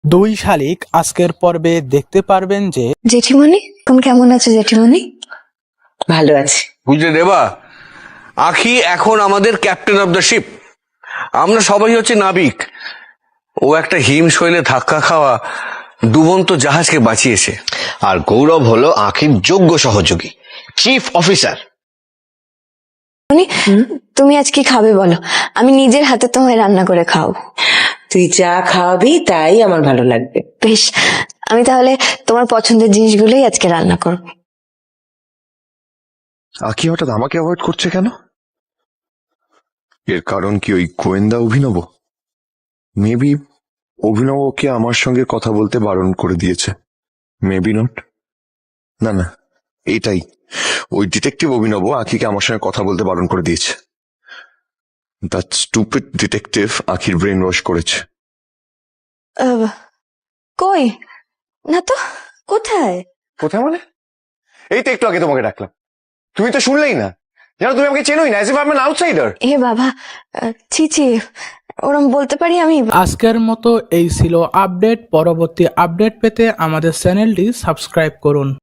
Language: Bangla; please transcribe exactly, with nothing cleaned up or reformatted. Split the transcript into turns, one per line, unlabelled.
দুই শালিক আজকের পর্বে দেখতে পারবেন যে
জেঠিমণি তুমি কেমন আছো জেঠিমণি?
ভালো আছি।
বুঝলে দেবা, আখি এখন আমাদের ক্যাপ্টেন অফ দ্য শিপ। আমরা সবাই হচ্ছে নাবিক। ও একটা হিম শৈলে ধাক্কা খাওয়া ডুবন্ত জাহাজকে বাঁচিয়েছে।
আর গৌরব হলো আখির যোগ্য সহযোগী, চিফ অফিসার।
তুমি আজ কি খাবে বলো, আমি নিজের হাতে তোমায় রান্না করে খাও।
তুই যা খাওয়াবি তাই আমার ভালো লাগবে।
বেশ, আমি তাহলে তোমার পছন্দের জিনিসগুলোই আজকে রান্না করব।
আকি হঠাৎ আমাকে অ্যাভয়েড করছে কেন? এর কারণ কি ওই গোয়েন্দা অভিনব? মেবি অভিনব ওকে আমার সঙ্গে কথা বলতে বারণ করে দিয়েছে। Maybe not. না না, এটাই, ওই ডিটেকটিভ অভিনব আখিকে আমার সঙ্গে কথা বলতে বারণ করে দিয়েছে। দ্যাট স্টুপিড ডিটেকটিভ আখির ব্রেন ওয়াশ করেছে।
আহ, কই না তো, কোথায়?
কোথায় মানে? এই তো একটু আগে তোমাকে ডাকলাম, তুমি তো শুনলেই না। জানো, তুমি আমাকে চেনোই না, as if I am an outsider.
এ বাবা, আহ, ছি ছি, ওরম বলতে পারি আমি?
আজকের মতো এই ছিল আপডেট। পরবর্তী আপডেট পেতে আমাদের চ্যানেলটি সাবস্ক্রাইব করুন।